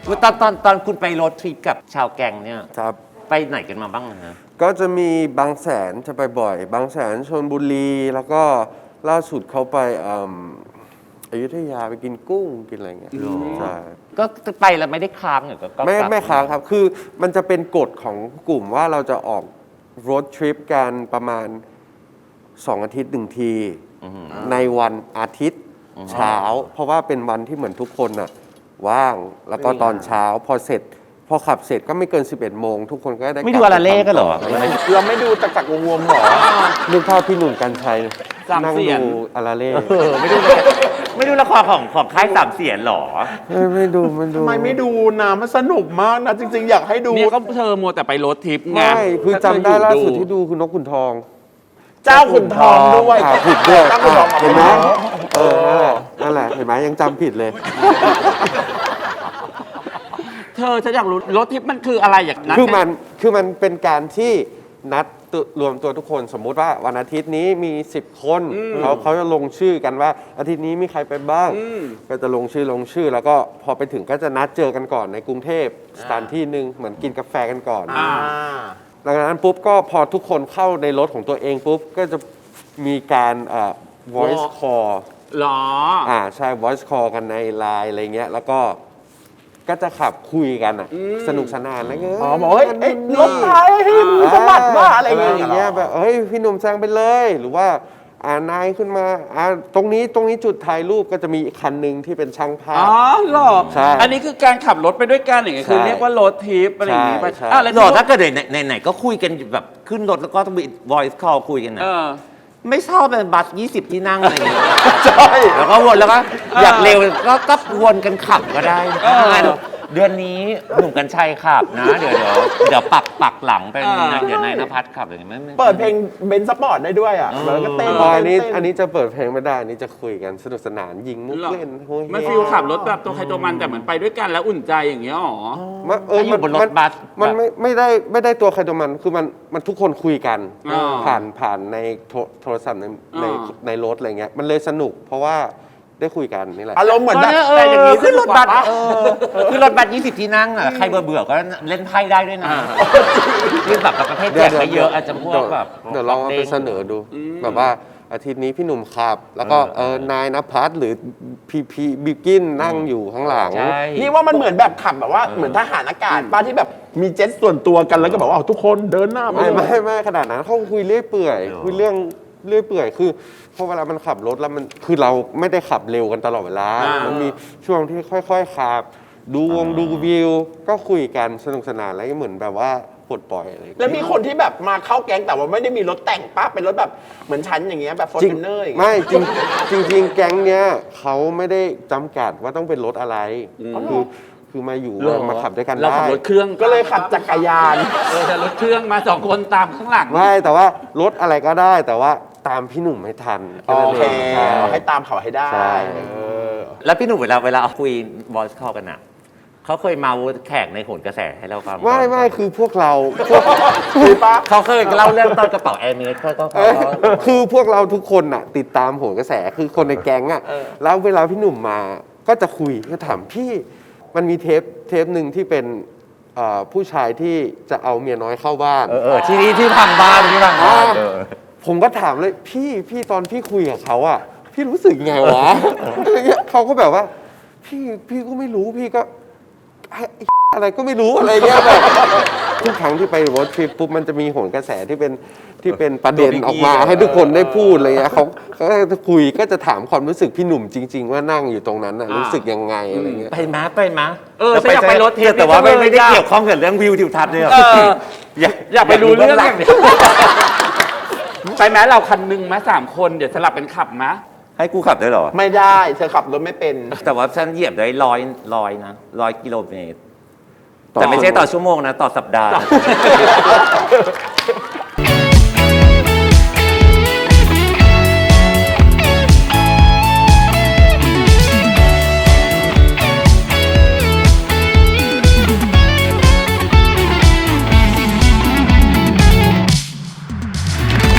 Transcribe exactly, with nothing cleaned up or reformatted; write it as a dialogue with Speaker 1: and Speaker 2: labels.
Speaker 1: ตอนตอนตอนคุณไปโรดทริปกับชาวแก๊งเนี่ย
Speaker 2: ครับ
Speaker 1: ไปไหนกันมาบ้างนะ
Speaker 2: ก็จะมีบางแสนจะไปบ่อย บางแสนชลบุรี แล้วก็ล่าสุดเขาไปอืมอยุธยาไปกินกุ้งกินอะไรเงี้ยใช่
Speaker 1: ก็ไปแล้วไม่ได้ค้างเหรอก็
Speaker 2: ไม่
Speaker 1: กลับ
Speaker 2: ไม่ค้างครับ คือมันจะเป็นกฎของกลุ่มว่าเราจะออกรถทริปกันประมาณสองอาทิตย์หนึ่งที ในวันอาทิตย์เช้า เพราะว่าเป็นวันที่เหมือนทุกคนน่ะว่างแล้วก็ตอนเช้าพอเสร็จ พอขับเสร็จก็ไม่เกิน สิบเอ็ดโมงทุกคนก็ได้
Speaker 1: ไม่ดูอะไรเล่กันเหรอ
Speaker 3: เราไม่ดูตะกักวงวงหรอ
Speaker 2: นึกภาพพี่หนุ่มกัญชัย
Speaker 3: สาม
Speaker 2: นั่ง
Speaker 3: เสียน
Speaker 2: ดูอาราเล่
Speaker 1: เออไม่ดูไม่ดูละครของของค่ายสามเสียนหรอ
Speaker 2: ไม่ไม่ดูไม่ดู
Speaker 3: ทำไมไม่ดูนะมันสนุกมากนะ จริง ๆ อยากให้ดู
Speaker 4: เนี่ยก็เธอมัวแต่ไปรถทิปไง
Speaker 2: ไม่คือจำได้ล่าสุดที่ดูคือนกขุนทอง
Speaker 3: เจ้าขุนทองด้วย
Speaker 2: อ่าผิดด้วย
Speaker 3: เจ้าขุนทอง
Speaker 2: เห็นไหมเออนั่นแหละนั่นแหละเห็นไหมยังจำผิดเลย
Speaker 4: เธอฉันอยากรู้รถทิปมันคืออะไรอย่างนั้น
Speaker 2: คือมันคือมันเป็นการที่นัดตัวรวมตัวทุกคนสมมุติว่าวันอาทิตย์นี้มีสิบคนเขาเขาจะลงชื่อกันว่าอาทิตย์นี้มีใครไปบ้าง ก็จะลงชื่อลงชื่อ แล้วก็พอไปถึงก็จะนัดเจอกันก่อนในกรุงเทพสถานที่หนึ่งเหมือนกินกาแฟกันก่อน
Speaker 3: อ่า
Speaker 2: หลังจากนั้นปุ๊บก็พอทุกคนเข้าในรถของตัวเองปุ๊บก็จะมีการเอ่อ voice call
Speaker 4: หรอ
Speaker 2: อ่าใช่ voice call กันในไลน์อะไรเงี้ยแล้วก็ก็จะขับคุยกันอ่ะสนุกสนานอะไรเงี้ย
Speaker 3: อ๋อบอกเฮ้ยเอ้ยรถไทยให้มือสะบัดว่าอะไรอย่าง
Speaker 2: อย่าง
Speaker 3: เงี้
Speaker 2: เงี้
Speaker 3: ย
Speaker 2: ยแบบเฮ้ยพี่หนุ่มแซงไปเลย หรือว่าอ่านายขึ้นมาอ่าตรงนี้ตรงนี้จุดถ่ายรูปก็จะมีอีกคันหนึ่งที่เป็นช่างภา
Speaker 4: อ๋
Speaker 2: พ
Speaker 4: อเหรอ
Speaker 2: ใช่
Speaker 4: อันนี้คือการขับรถไปด้วยกันอย่างเงี้ยคือ
Speaker 2: ใช่
Speaker 4: เรียกว่ารถทิปอะไรอย่างงี้ไป
Speaker 2: ใช่
Speaker 4: อ่ะแล้ว
Speaker 1: หรอถ้าเกิดไหนไหนไหนก็คุยกันแบบขึ้นรถแล้วก็ต้องมี voice call คุยกันนะ
Speaker 4: เออ
Speaker 1: ไม่ชอบเป็นบัสยี่สิบที่นั่งอะไรอย่างเงี้ย
Speaker 3: ใช่
Speaker 1: แล้วก็วนแล้วก็อยากเร็วก็ก็วนกันขับก็ได้นะเดือนนี้หนุ่มกัญชัยขับนะ เดี๋ยวเดี๋ยวเดี๋ยวปักปักหลังเป็น
Speaker 4: อ่า
Speaker 1: เดี๋ยวนายนภัสขับอย่างเงี้ยไม่ไม่
Speaker 3: เปิดเพลงเบนซ์สปอร์ตได้ด้วยอ่ะแล้วก็เต้น
Speaker 2: อ๋ออันนี้
Speaker 3: เต้
Speaker 2: อันนี้จะเปิดเพลงไม่ได้อันนี้จะคุยกันสนุกสนานยิงมุก
Speaker 4: หรอ
Speaker 2: เล่นโฮ้ย
Speaker 4: มันฟีลขับรถแบบตัวใครตัวมันแต่เหมือนไปด้วยกันแล้วอุ่นใจอย่างเงี้ยหรอ
Speaker 2: มันเออ
Speaker 1: ถ้าอยู่บนรถบัส
Speaker 2: มันไม่ไม่ได้ไม่ได้ตัวใครตัวมันคือมันมันทุกคนคุยกัน
Speaker 4: อ่า
Speaker 2: ผ่านผ่านในโทรโทรศัพท์ในใน
Speaker 4: อ่า
Speaker 2: ในรถอะไรเงี้ยมันเลยสนุก เพราะว่าได้คุยกันนี่แหละ
Speaker 3: อารมณ์เหมือนแบบ
Speaker 1: เออ
Speaker 3: แต่อย่างนี้
Speaker 1: ขึ้นรถบัส
Speaker 3: สนุกกว่าปะ
Speaker 1: เออขึ้นรถบัสยี่สิบที่นั่งอ่ะใครเบื่อเบื่อก็เล่นไพ่ได้ด้วยนะคือแบบประเภทแจกไม่เยอะอาจจะพวกแบบ
Speaker 2: เดี๋ยวลองเอาไปเสนอดู แบบว่าอาทิตย์นี้พี่หนุ่มขับ แล้วก็เออนายนภัสหรือพีพีบิวกินนั่งอยู่ข้างหลัง
Speaker 1: ใช่
Speaker 3: นี่ว่ามันเหมือนแบบขับแบบว่าเหมือนทหารอากาศป้าที่แบบมีเจ็ตส่วนตัวกันแล้วก็แบบว่าเอาทุกคนเดินหน้าไป
Speaker 2: ไม่
Speaker 3: เลย
Speaker 2: ไม่ไม่ขนาดนั้นเขาคุยเรื่อยเปื่อยคุยเรื่องเรื่อยเปื่อยคือพอเวลามันขับรถแล้วมันคือเราไม่ได้ขับเร็วกันตลอดเวลา
Speaker 4: อ่ามั
Speaker 2: มันมีช่วงที่ค่อยๆขับ ดูวงดูวิว ก็คุยกันสนุกสนานแล้วก็เหมือนแบบว่าปลดปล่อยอะไรอย่าง
Speaker 3: แล้
Speaker 2: เงี้ยว
Speaker 3: มีคนที่แบบมาเข้าแก๊งแต่ว่าไม่ได้มีรถแต่งป้าเป็นรถแบบเหมือนชั้นอย่างเงี้ยแบบฟอร์
Speaker 2: จริง
Speaker 3: จูเนอร์อย่างเงี้ย
Speaker 2: ไม่จริงจริงจริงแก๊งเนี้ยเขาไม่ได้จำกัดว่าต้องเป็นรถอะไรคือคือมาอยู่
Speaker 4: หรอ
Speaker 2: มาขับด้วยกัน
Speaker 4: เรา
Speaker 2: ได้
Speaker 4: ขับรถเครื่อง
Speaker 3: ก็เลยขับจักรยาน
Speaker 4: เออแต่รถเครื่องมาสองคนตามข้างหลัง
Speaker 2: ไม่แต่ว่ารถอะไรก็ได้แต่ว่าตามพี่หนุ่มไม่ทัน
Speaker 3: โอเค
Speaker 2: ใช่
Speaker 3: เอาให้ตามเขาให้ได้
Speaker 2: ใช่
Speaker 3: เออ
Speaker 1: แล้วพี่หนุ่มเวลาเวลาเอาคุย voice call กันอ่ะเขาเคยเมาแขกในโหนกระแสให้เราฟัง
Speaker 2: ไม่ไม่คือพวกเราพวก
Speaker 3: คือป้า
Speaker 1: เขาเคยเล่าเรื่องตอนกระเป๋าแอร์เมสเขาก็
Speaker 2: เออคือพวกเราทุกคนน่ะติดตามโหนกระแสคือคนในแก๊งอ่ะแล้วเวลาพี่หนุ่มมาก็จะคุยก็ถามพี่มันมีเทปเทปหนึ่งที่เป็นเอ่อผู้ชายที่จะเอาเมียน้อยเข้าบ้าน
Speaker 1: เออเออที่นี่ที่พังบ้านที่พังบ้านเออ
Speaker 2: ผมก็ถามเลยพี่พี่ตอนพี่คุยกับเขาอ่ะพี่รู้สึกไงวะ อะไรเงี้ยเขาก็แบบว่า พี่พี่ก็ไม่รู้พี่ก็ไอ้ไอ้อะไรก็ไม่รู้อะไรเงี้ยแบบทุกครั้งที่ไปรถทริปปุ๊บมันจะมีโหนกระแสที่เป็นที่เป็นประเด็นออกมาให้ทุกคนได้พูดอะไรเงี้ยเขาเขาก็จะคุยก็จะถามความรู้สึกพี่หนุ่มจริง ๆ ว่านั่งอยู่ตรงนั้นน่ะรู้สึกยังไงอะไรเงี้ย
Speaker 1: ไปม้าไปม้า
Speaker 4: เออฉันอยากไปรถเทป
Speaker 1: แต่ว่าไม่
Speaker 4: จังเลย
Speaker 1: ไม่ได้
Speaker 4: อะ
Speaker 1: เกี่ยวข้องกับเรื่องวิวทิวทัศน์เลยอะ
Speaker 4: เออ
Speaker 1: อยาก
Speaker 4: อยากไปรู้เรื่อง
Speaker 1: หลั
Speaker 4: อย่าง นี้ไปไหมเราคันหนึงไหมสามคนเดี๋ยวสลับเป็นขับไหม
Speaker 1: ให้กูขับด้วยเหรอ
Speaker 3: ไม่ได้เธอขับรถไม่เป็น
Speaker 1: แต่ว่าฉันเหยียบได้ร้อยร้อยนะร้อยกิโลเมตร
Speaker 2: ต่อ
Speaker 1: แต่ไม่ใช่ต่อชั่วโมงนะ ต่อสัปดาห์